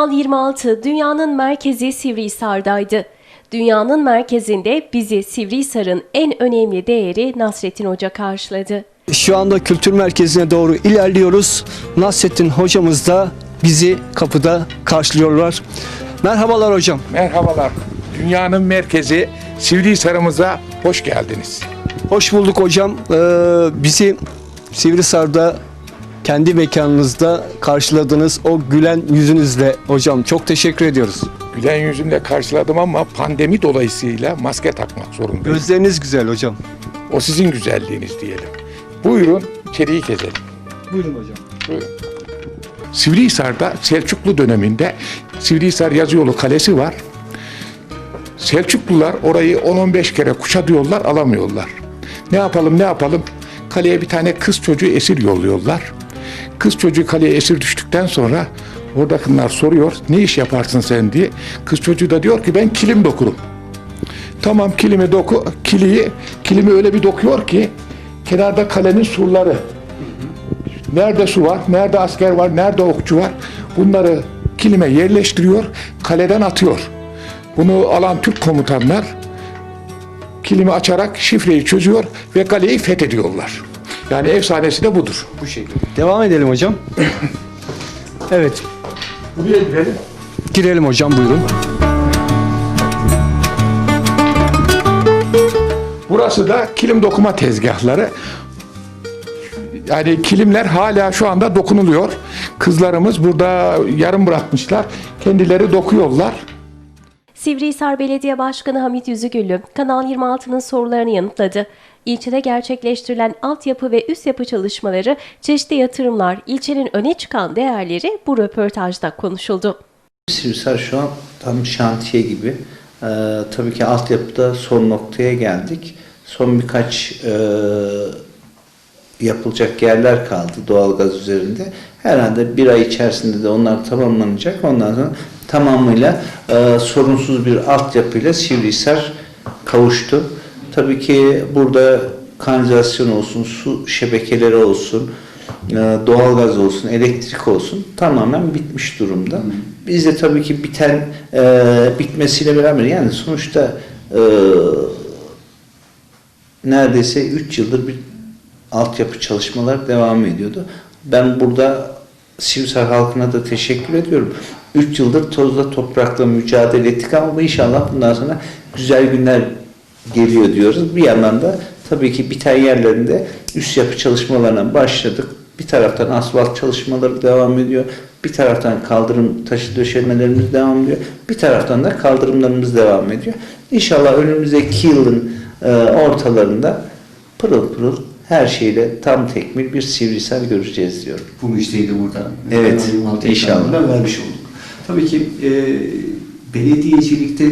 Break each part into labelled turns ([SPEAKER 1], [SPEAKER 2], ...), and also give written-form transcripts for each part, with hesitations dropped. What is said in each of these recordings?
[SPEAKER 1] Kanal 26 dünyanın merkezi Sivrihisar'daydı. Dünyanın merkezinde bizi Sivrihisar'ın en önemli değeri Nasrettin Hoca karşıladı.
[SPEAKER 2] Şu anda kültür merkezine doğru ilerliyoruz. Nasrettin hocamız da bizi kapıda karşılıyorlar. Merhabalar hocam.
[SPEAKER 3] Merhabalar. Dünyanın merkezi Sivrihisar'ımıza hoş geldiniz.
[SPEAKER 2] Hoş bulduk hocam. Bizi Sivrihisar'da kendi mekanınızda karşıladınız. O gülen yüzünüzle hocam çok teşekkür ediyoruz.
[SPEAKER 3] Gülen yüzümle karşıladım ama pandemi dolayısıyla maske takmak zorundayım.
[SPEAKER 2] Gözleriniz güzel hocam.
[SPEAKER 3] O sizin güzelliğiniz diyelim. Buyurun içeriği gezelim.
[SPEAKER 2] Buyurun hocam.
[SPEAKER 3] Buyurun. Sivrihisar'da Selçuklu döneminde Sivrihisar Yazıyolu Kalesi var. Selçuklular orayı 10-15 kere kuşatıyorlar, alamıyorlar. Ne yapalım? Kaleye bir tane kız çocuğu esir yolluyorlar. Kız çocuğu kaleye esir düştükten sonra oradakiler soruyor, ne iş yaparsın sen diye. Kız çocuğu da diyor ki ben kilim dokurum. Tamam kilimi doku, kilimi öyle bir dokuyor ki kenarda kalenin surları. Nerede su var, nerede asker var, nerede okçu var bunları kilime yerleştiriyor, kaleden atıyor. Bunu alan Türk komutanlar kilimi açarak şifreyi çözüyor ve kaleyi fethediyorlar. Yani efsanesi de budur. Bu şekilde.
[SPEAKER 2] Devam edelim hocam. Evet.
[SPEAKER 3] Buraya girelim.
[SPEAKER 2] Girelim hocam buyurun.
[SPEAKER 3] Burası da kilim dokuma tezgahları. Yani kilimler hala şu anda dokunuluyor. Kızlarımız burada yarım bırakmışlar. Kendileri dokuyorlar.
[SPEAKER 1] Sivrihisar Belediye Başkanı Hamit Yüzügüllü, Kanal 26'nın sorularını yanıtladı. İlçede gerçekleştirilen altyapı ve üst yapı çalışmaları, çeşitli yatırımlar, ilçenin öne çıkan değerleri bu röportajda konuşuldu.
[SPEAKER 4] Sivrihisar şu an tam şantiye gibi. Tabii ki altyapıda son noktaya geldik. Son birkaç yapılacak yerler kaldı doğalgaz üzerinde. Herhalde bir ay içerisinde de onlar tamamlanacak. Ondan sonra tamamıyla sorunsuz bir altyapıyla Sivrihisar kavuştu. Tabii ki burada kanalizasyon olsun, su şebekeleri olsun, doğalgaz olsun, elektrik olsun tamamen bitmiş durumda. Biz de tabii ki bitmesiyle beraber yani sonuçta neredeyse 3 yıldır bir altyapı çalışmalar devam ediyordu. Ben burada Sivrihisar halkına da teşekkür ediyorum. 3 yıldır tozla toprakla mücadele ettik ama inşallah bundan sonra güzel günler geliyor diyoruz. Bir yandan da tabii ki biten yerlerinde üst yapı çalışmalarına başladık. Bir taraftan asfalt çalışmaları devam ediyor. Bir taraftan kaldırım taşı döşemelerimiz devam ediyor. Bir taraftan da kaldırımlarımız devam ediyor. İnşallah önümüzdeki yılın ortalarında pırıl pırıl her şeyle tam tekmil bir Sivrihisar göreceğiz diyorum.
[SPEAKER 5] Bu müjdeyi de burada.
[SPEAKER 4] Evet, inşallah.
[SPEAKER 5] Vermiş olduk. Tabii ki belediyecilikte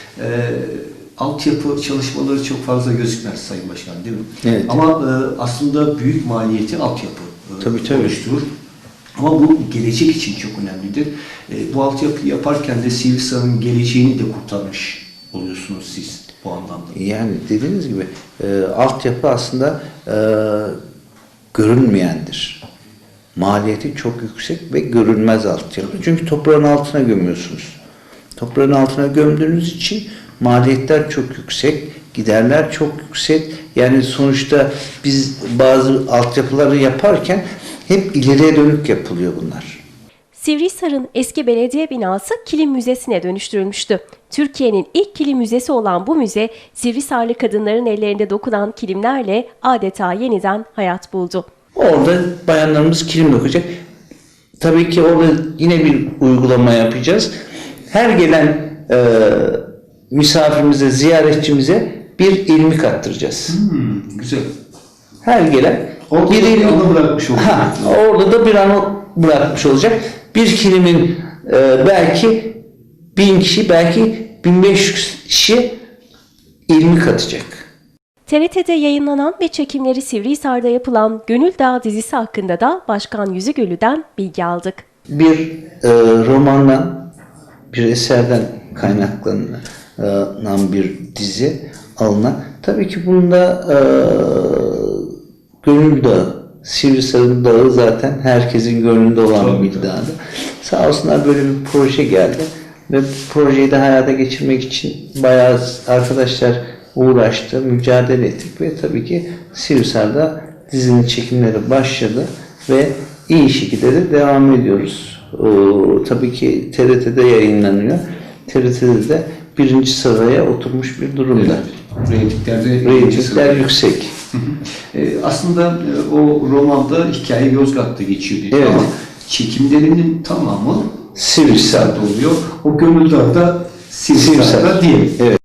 [SPEAKER 5] altyapı çalışmaları çok fazla gözükmez Sayın Başkan değil mi?
[SPEAKER 4] Evet.
[SPEAKER 5] Ama aslında büyük maliyeti altyapı
[SPEAKER 4] Tabii.
[SPEAKER 5] oluşturur. Ama bu gelecek için çok önemlidir. Bu altyapıyı yaparken de Sivrihisar'ın geleceğini de kurtarmış oluyorsunuz siz bu anlamda.
[SPEAKER 4] Yani dediğiniz gibi altyapı aslında görünmeyendir. Maliyeti çok yüksek ve görünmez altyapı. Çünkü toprağın altına gömüyorsunuz. Toprağın altına gömdüğünüz için maliyetler çok yüksek, giderler çok yüksek. Yani sonuçta biz bazı altyapıları yaparken hep ileriye dönük yapılıyor bunlar.
[SPEAKER 1] Sivrihisar'ın eski belediye binası kilim müzesine dönüştürülmüştü. Türkiye'nin ilk kilim müzesi olan bu müze, Sivrihisarlı kadınların ellerinde dokunan kilimlerle adeta yeniden hayat buldu.
[SPEAKER 4] Orada bayanlarımız kilim dokuyacak. Tabii ki orada yine bir uygulama yapacağız. Her gelen misafirimize, ziyaretçimize bir ilmik attıracağız.
[SPEAKER 5] Güzel.
[SPEAKER 4] Her gelen
[SPEAKER 5] Orada
[SPEAKER 4] bir
[SPEAKER 5] bir anı bırakmış olacak.
[SPEAKER 4] Orada da bir anı bırakmış olacak. Bir kilimin belki 1000 kişi, belki 1500 kişi ilmik atacak.
[SPEAKER 1] TRT'de yayınlanan ve çekimleri Sivrihisar'da yapılan Gönül Dağı dizisi hakkında da Başkan Yüzügüllü'den bilgi aldık.
[SPEAKER 4] Bir romandan, bir eserden kaynaklanan bir dizi alınan. Tabii ki bunda Gönül Dağı Sivrisar'ın dağı zaten herkesin gönlünde olan
[SPEAKER 5] Tabii,
[SPEAKER 4] bir
[SPEAKER 5] tabii.
[SPEAKER 4] dağdı. Sağ olsunlar böyle bir proje geldi ve bu projeyi de hayata geçirmek için bayağı arkadaşlar uğraştı, mücadele ettik ve tabii ki Sivrisar'da dizinin çekimleri başladı ve iyi şekilde de devam ediyoruz. Tabii ki TRT'de yayınlanıyor. TRT'de de birinci sıraya oturmuş bir durumda. Reytingler yüksek.
[SPEAKER 5] Aslında o romanda hikaye Yozgat'ta geçiyor dedi
[SPEAKER 4] Evet.
[SPEAKER 5] ama çekimlerinin tamamı
[SPEAKER 4] Sivrisar'da
[SPEAKER 5] oluyor. O gönül dağı da Sivrisar'da değil.
[SPEAKER 4] Evet.